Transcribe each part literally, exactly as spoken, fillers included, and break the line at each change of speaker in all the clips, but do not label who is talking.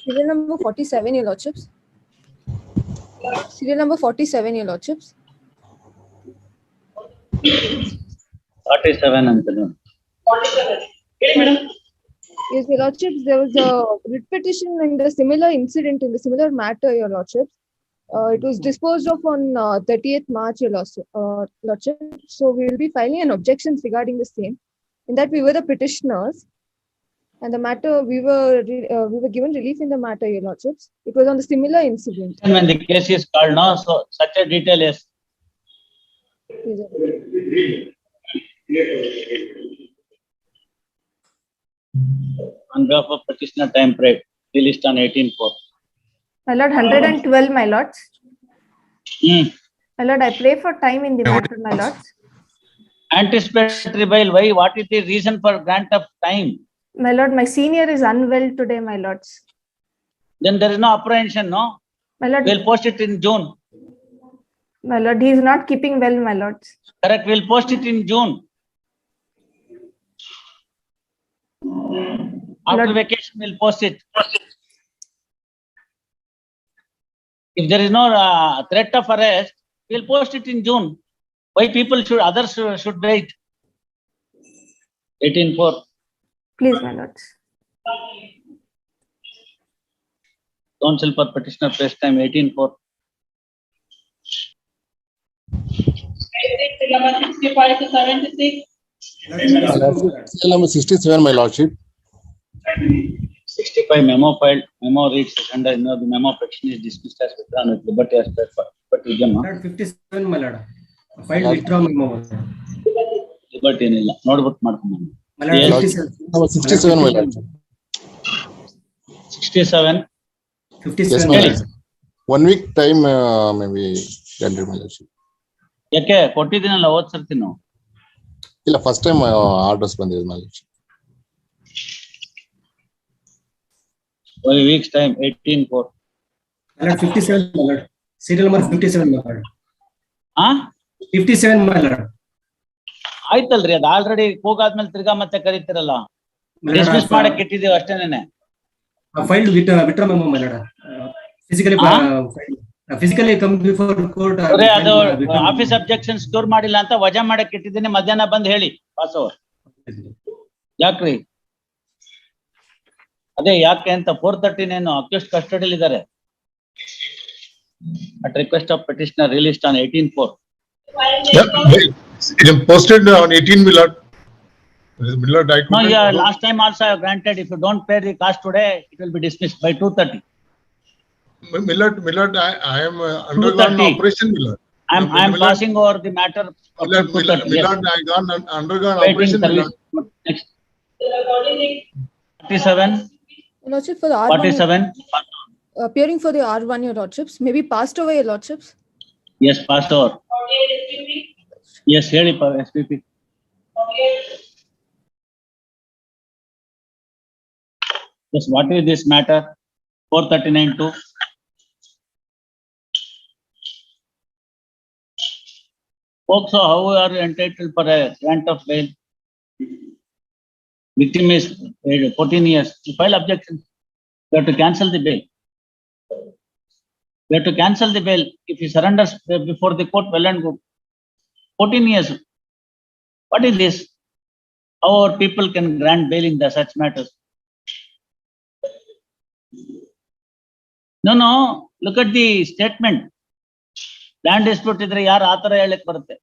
Serial number forty-seven, Your Lordships. Serial number forty-seven, Your Lordships.
forty-seven Anthony.
forty-seven. Yes, madam.
Yes, Your Lordships, there was a writ petition in the similar incident, in the similar matter, Your Lordships. Uh, it was disposed of on uh, thirtieth March, Your Lordship, uh, Lordship. So we will be filing an objections regarding the same. In that we were the petitioners, and the matter we were uh, we were given relief in the matter, Your Lordships. It was on the similar incident.
And when the case is called, no, so such a detail is.
Yes, sir.
On behalf of petitioner time period, released on eighteen four.
My lord, one hundred twelve, my lords.
Hmm.
My lord, I pray for time in the matter, my lords.
Anticipatory bail, why? What is the reason for grant of time?
My lord, my senior is unwell today, my lords.
Then there is no apprehension, no?
My lord,
We'll post it in June.
my lord, he is not keeping well, my lords.
Correct, we'll post it in June. After
Lord-
vacation, we'll post it. If there is no uh, threat of arrest, we'll post it in June. Why people should, others should, should wait? eighteen four.
Please, my lords.
Counsel for petitioner press time eighteen four.
Number sixty-five to seventy-six.
Serial number sixty-seven, my lordship.
sixty-five memo filed, memo reads under, you know, the memo petition is dismissed as withdrawn with liberty as per, but Vijayamma,
Lord, fifty-seven, my lord. File withdraw memo.
liberty ಏನಿಲ್ಲ ನೋಡ್ಬಿಟ್ಟು ಮಾಡ್ಕೊಂಡು
My lord,
Yes.
fifty-seven.
Number sixty-seven, my lordship.
sixty-seven.
Yes,
fifty-seven.
my
Really?
lordship. One week time, uh, maybe granted, my lordship.
ಯಾಕೆ ಕೊಟ್ಟಿದ್ದೀನಲ್ಲ ಹೋದ್ ಸರ್ತಿ ನಾವು
ಇಲ್ಲ, first time uh, orders ಬಂದಿದೆ, my lordship.
one week's time eighteen four.
My lord, fifty-seven, my lord. Serial number fifty-seven, my lord.
ಹಾ
fifty-seven, my lord.
ಆಯ್ತಲ್ರಿ ಅದು already ಕೂಗಾದ್ಮೇಲೆ ತಿರ್ಗಾ ಮತ್ತೆ ಕರೀತಿರಲ್ಲ
My lord,
ಡಿಸ್ಮಿಸ್
I-
ಮಾಡಕ್ ಇಟ್ಟಿದೀವಿ ಅಷ್ಟೇನೆ.
I filed with uh, withdraw memo, my lord. Uh, Physically,
Huh?
uh, filed. Uh, physically come before court. uh,
ಅದೇ
filed,
ಅದು
uh, withdraw memo.
Office objection store ಮಾಡಿಲ್ಲ ಅಂತ ವಜಾ ಮಾಡಕ್ ಇಟ್ಟಿದ್ದೀನಿ, ಮಧ್ಯಾಹ್ನ ಬಂದ್ ಹೇಳಿ ಪಾಸ್ ಓವರ್. ಯಾಕ್ರಿ ಅದೇ ಯಾಕೆ ಅಂತ ಫೋರ್ ತರ್ಟೀನ್ ಏನು ಅಕ್ಯೂಸ್ಡ್ ಕಸ್ಟಡಿಯಲ್ಲಿ ಇದ್ದಾರೆ. At request of petitioner released on eighteen four.
Yeah, they- it is posted on eighteen Millard. Millard, I
No,
couldn't-
yeah, last time also I have granted, if you don't pay the cost today, it will be dismissed by two thirty.
Millard, Millard, I, I am uh, undergone
thirty.
operation Millard.
I am, I am
Millard-
passing over the matter. of
Millard, Millard,
230, yes.
Millard, I gone un- undergone
Waiting
operation
service.
Millard.
Next. forty-seven,
Your Lordship, for the R one,
forty-seven,
appearing for the R one, Your Lordships, maybe passed away, Your Lordships.
yes, passed over. Yes, ಹೇಳಿ S P P. Yes, what is this matter? four thirty-nine two. Folks, how are you entitled for a grant of bail? Victim is uh, fourteen years. You file objection. You have to cancel the bail. You have to cancel the bail if he surrenders before the court, well and good. fourteen years. What is this? How our people can grant bail in the such matters? No, no. Look at the statement. Land dispute ಇದ್ರೆ ಯಾರು ಆತರ ಹೇಳಕ್ ಬರುತ್ತೆ?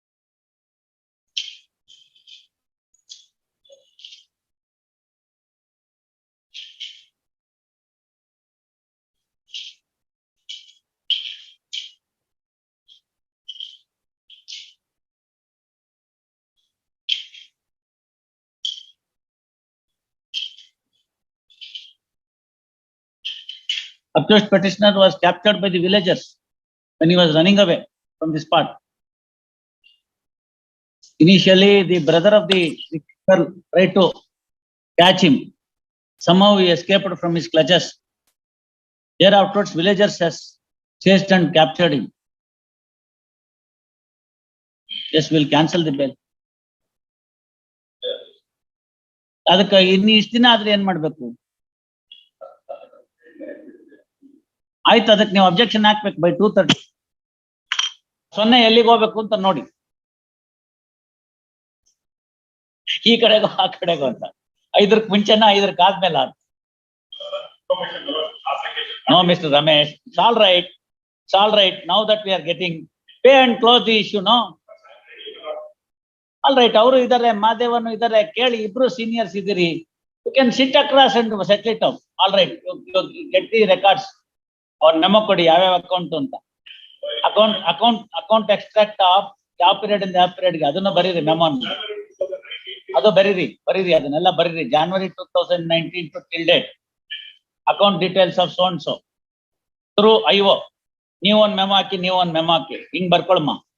Accused petitioner was captured by the villagers when he was running away from the spot. Initially, the brother of the girl tried to catch him. Somehow he escaped from his clutches. Thereafter, villagers has chased and captured him. Yes, we'll cancel the bail. ಅದಕ್ಕೆ ಇನ್ನು ಇಷ್ಟು ದಿನ ಆದ್ರೆ ಏನ್ ಮಾಡ್ಬೇಕು? ಆಯ್ತು, ಅದಕ್ಕೆ ನೀವು ಅಬ್ಜೆಕ್ಷನ್ ಹಾಕ್ಬೇಕು ಬೈ ಟೂ ತರ್ಟಿ. ಸೊನ್ನೆ ಎಲ್ಲಿಗೆ ಹೋಗ್ಬೇಕು ಅಂತ ನೋಡಿ, ಈ ಕಡೆಗೋ ಆ ಕಡೆಗೋ ಅಂತ. ಐದರಕ್ ಮುಂಚೆನ ಐದರಕ್ ಆದ್ಮೇಲೆ ಆದ. No mister Ramesh, it's all right, it's all right. Now that we are getting pay and close the issue. No, all right. ಅವರು ಇದಾರೆ, ಮಾದೇವನು ಇದಾರೆ, ಕೇಳಿ, ಇಬ್ರು ಸೀನಿಯರ್ಸ್ ಇದ್ದೀರಿ. You can sit across and settle it out. All right, get the records. ಅವ್ರ memo ಕೊಡಿ ಯಾವ್ಯಾವ ಅಕೌಂಟ್ ಅಂತ. Account account account extract of ಯಾವ ಪೀರಿಯಡ್ ಇಂದ ಯಾವ ಪೀರಿಯಡ್ಗೆ ಅದನ್ನ ಬರೀರಿ ಮೆಮೊನ್. ಅದು ಬರೀರಿ ಬರೀರಿ ಅದನ್ನೆಲ್ಲ ಬರೀರಿ. January two thousand nineteen to till date account details of so and so through IO. ನೀವು ಒಂದ್ ಮೆಮೊ ಹಾಕಿ, ನೀವು ಒಂದ್ ಮೆಮೊ ಹಾಕಿ, ಹಿಂಗ್ ಬರ್ಕೊಳಮ್ಮ.